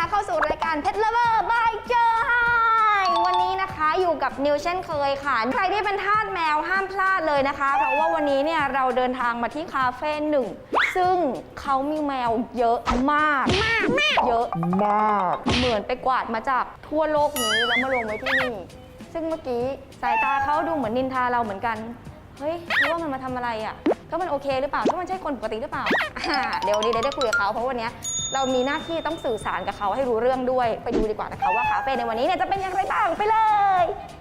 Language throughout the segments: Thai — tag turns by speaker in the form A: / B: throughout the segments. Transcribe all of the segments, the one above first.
A: เข้าสู่รายการ Pet Lover by เจอไฮวันนี้นะคะอยู่กับนิวเช่นเคยค่ะใครที่เป็นทาสแมวห้ามพลาดเลยนะคะเพราะว่าวันนี้เนี่ยเราเดินทางมาที่คาเฟ่หนึ่งซึ่งเขามีแมวเยอะมากเยอะมากเหมือนไปกวาดมาจากทั่วโลกนี้แล้วมาลงไว้ที่นี่ซึ่งเมื่อกี้สายตาเขาดูเหมือนนินทาเราเหมือนกันเฮ้ยรู้ว่ามันมาทำอะไรอ่ะก็มันโอเคหรือเปล่าก็มันใช่คนปกติหรือเปล่าเดี๋ยววันนี้ได้คุยกับเขาเพราะวันนี้เรามีหน้าที่ต้องสื่อสารกับเขาให้รู้เรื่องด้วยไปดูดีกว่านะคะว่าคาเฟ่ในวันนี้เนี่ยจะเป็นอย่างไรบ้างไปเลย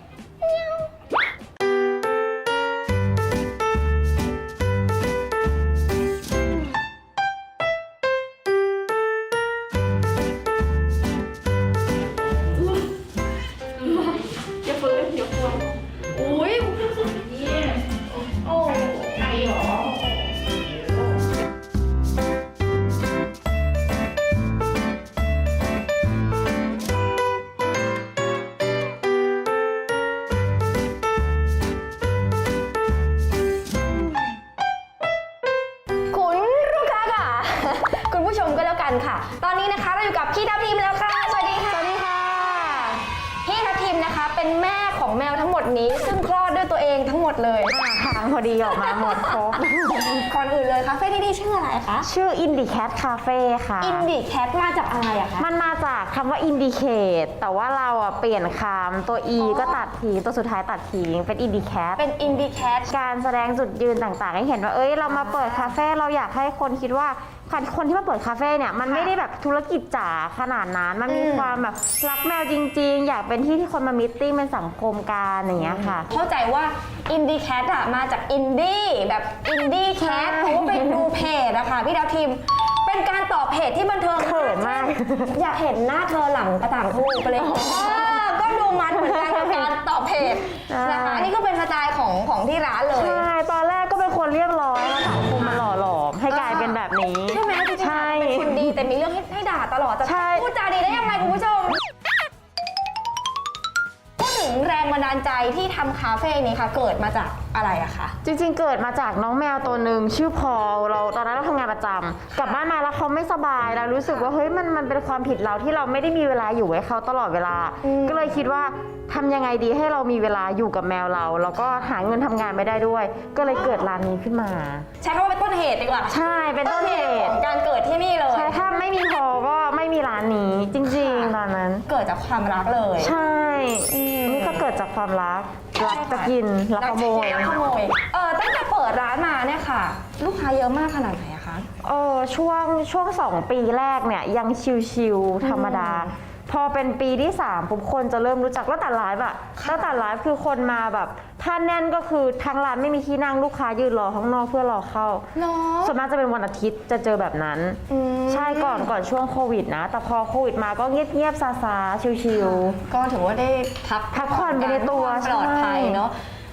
A: อย่าฟื้นอย่าฟื้นอุ้ยโอ้ไก่หรอคุณผู้ชมก็แล้วกันค่ะตอนนี้นะคะเราอยู่กับพี่ทัพทิมแล้วค่ะสวัสดีค่ะสวัสดีค่ะพี่ทัพทิมนะคะเป็นแม่ของแมวทั้งหมดนี้ซึ่งคลอดด้วยตัวเองทั้งหมดเลย
B: ทางพอดีออกมาหมดครบ
A: ก่อนอื่นเลยคาเฟ่ที่นี่ชื่ออะไรคะ
B: ชื่อ Indie Cat Cafe ค่ะ
A: Indie Cat มาจากอะไรอะคะ
B: มันมาจากคำว่า Indicate แต่ว่าเราอะเปลี่ยนคำตัว E ก็ตัดทิ้งตัวสุดท้ายตัดทิ้งเป็น Indie Cat
A: เป็น Indie Cat
B: การแสดงจุดยืนต่างๆให้เห็นว่าเรามาเปิดคาเฟ่เราอยากให้คนคิดว่าคนที่มาเปิดคาเฟ่เนี่ยมันไม่ได้แบบธุรกิจจ๋าขนาดนั้นมันมีความแบบรักแมวจริงๆอยากเป็นที่คนมามีตติ้งเป็นสังคมการอย่างเงี้ยค่ะ
A: เข้าใจว่า Indie Cat อะมาจาก Indie แบบ Indie Cat เพราะว่าไปดูเพจอะค่ะพี่ดาวทิมเป็นการตอบเพจที่บันเทิง
B: เขินมาก
A: อยากเห็นหน้าเธอหลังกระต่างทูไปเลยก็ดูมันเหมือนกันกับการตอบเพจนะคะนี่ก็เป็นสไตล์ของที่ร้านเลย
B: ใช่ตอนแรกก็เป็นคนเรียบร้อยแล้วสังคมมันหล่อหลอมให้กลายเป็นแบบนี้
A: ใช่ไหมจริงๆเป็นคนดีแต่มีเรื่องให้ด่าตลอดจะพูดจาดีได้ยังไงคุณผู้ชมพูดถึงแรงบันดาลใจที่ทำคาเฟ่นี้ค่ะเกิดมาจากอะไรอะคะ
B: จริงๆเกิดมาจากน้องแมวตัวหนึ่งชื่อพอลเราตอนนั้นเราทำงานประจำกลับบ้านมาแล้วเขาไม่สบายเรารู้สึกว่าเฮ้ยมันเป็นความผิดเราที่เราไม่ได้มีเวลาอยู่ให้เขาตลอดเวลาก็เลยคิดว่าทำยังไงดีให้เรามีเวลาอยู่กับแมวเราแล้วก็หาเงินทำงานไม่ได้ด้วยก็เลยเกิดร้านนี้ขึ้นมา
A: ใช้คำว่าเป็นต้นเหตุดีกว่า
B: ใช่เป็นต้นเหตุ
A: ของการเกิดที่นี่เลย
B: ใช่ถ้าไม่มีพอก็ไม่มีร้านนี้จริงๆตอนนั้น
A: เกิดจากความรักเลย
B: ใช่นี่ก็เกิดจากความรักจะกินรักขโมย
A: ตั้งแต่เปิดร้านมาเนี่ยค่ะลูกค้าเยอะมากขนาดไหนอะคะ
B: ช่วง2 ปีแรกเนี่ยยังชิวๆธรรมดาพอเป็นปีที่3ปุ๊บคนจะเริ่มรู้จักแล้วแต่ไลฟ์อะแล้วแต่ไลฟ์คือคนมาแบบถ้าแน่นก็คือทางร้านไม่มีที่นั่งลูกค้ายืนรอข้างนอกเพื่อรอเข้าส่วนมากจะเป็นวันอาทิตย์จะเจอแบบนั้นใช่ก่อนช่วงโควิดนะแต่พอโควิดมาก็เงียบๆซาๆชิว
A: ๆก็ถือว่าได้พัก
B: ผ่อนไปในตัว
A: ปลอดภัยเนาะ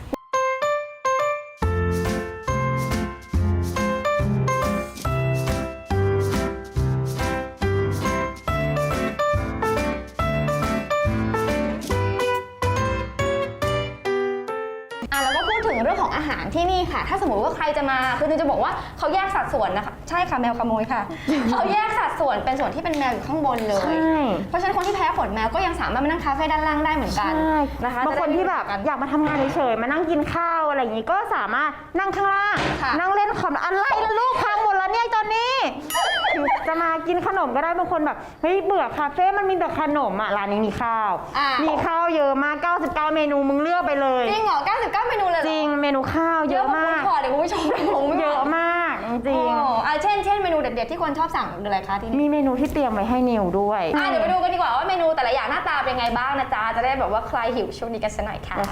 A: เรื่องของอาหารที่นี่ค่ะถ้าสมมติว่าใครจะมาคือจะบอกว่าเขาแยกสัดส่วนนะคะใช่ค่ะแมวขโมยค่ะเขาแยกสัดส่วนเป็นส่วนที่เป็นแมวอยู่ข้างบนเลยเพราะฉะนั้นคนที่แพ้ขนแมวก็ยังสามารถมานั่งคาเฟ่ด้านล่างได้เหมือนกัน
B: นะคะบางคนที่แบบอยากมาทำงานเฉยๆมานั่งกินข้าวอะไรอย่างนี้ก็สามารถนั่งข้างล่างนั่งเล่นคอมอะไรละลูกพังหมดแล้วเนี่ยตอนนี้จะมากินขนมก็ได้บางคนแบบเฮ้ยเบื่อคาเฟ่มันมีแต่ขนมอ่ะร้านนี้มีข้าวเยอะมาก99เมนูมึงเลือกไปเลย
A: จริงเหรอ99เมนูเลย
B: จริงเมนูข้าวเยอะมาก
A: เดี๋ยวคุณผู้ชม
B: เยอะมากจริง
A: เช่นเมนูเด็ดๆที่คนชอบสั่งอะไรคะที่นี่
B: มีเมนูที่เตรียมไว้ให้นิวด้วย
A: เดี๋ยวไปดูกันดีกว่าว่าเมนูแต่ละอย่างหน้าตาเป็นไงบ้างนะจ๊ะจะได้แบบว่าใครหิวช่วงนี้กันสักหน่อยค่ะ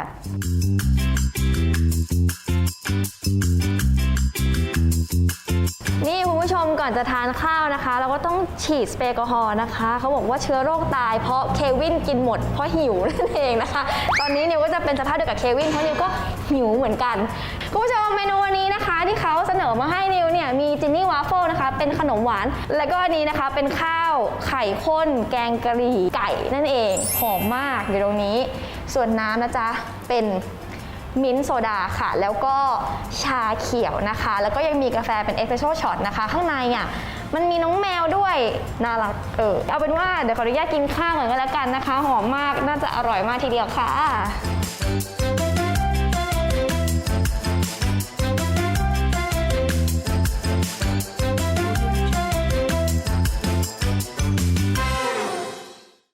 A: นี่คุณผู้ชมก่อนจะทานข้าวนะคะเราก็ต้องฉีดสเปรย์แอลกอฮอล์นะคะเขาบอกว่าเชื้อโรคตายเพราะเควินกินหมดเพราะหิวนั่นเองนะคะตอนนี้นิวก็จะเป็นสภาพเดียวกับเควินเพราะนิวก็หิวเหมือนกันคุณผู้ชมเมนูวันนี้นะคะที่เขาเสนอมาให้นิวเนี่ยมีจินนี่วาฟเฟิลนะคะเป็นขนมหวานแล้วก็อันนี้นะคะเป็นข้าวไข่ข้นแกงกะหรี่ไก่นั่นเองหอมมากอยู่ตรงนี้ส่วนน้ำนะจ๊ะเป็นมิ้นท์โซดาค่ะแล้วก็ชาเขียวนะคะแล้วก็ยังมีกาแฟเป็นเอสเปรสโซ่ช็อตนะคะข้างในอ่ะมันมีน้องแมวด้วยน่ารักเอาเป็นว่าเดี๋ยวขออนุญาตกินข้าวก่อนก็แล้วกันนะคะหอมมากน่าจะอร่อยมากทีเดียวค่ะ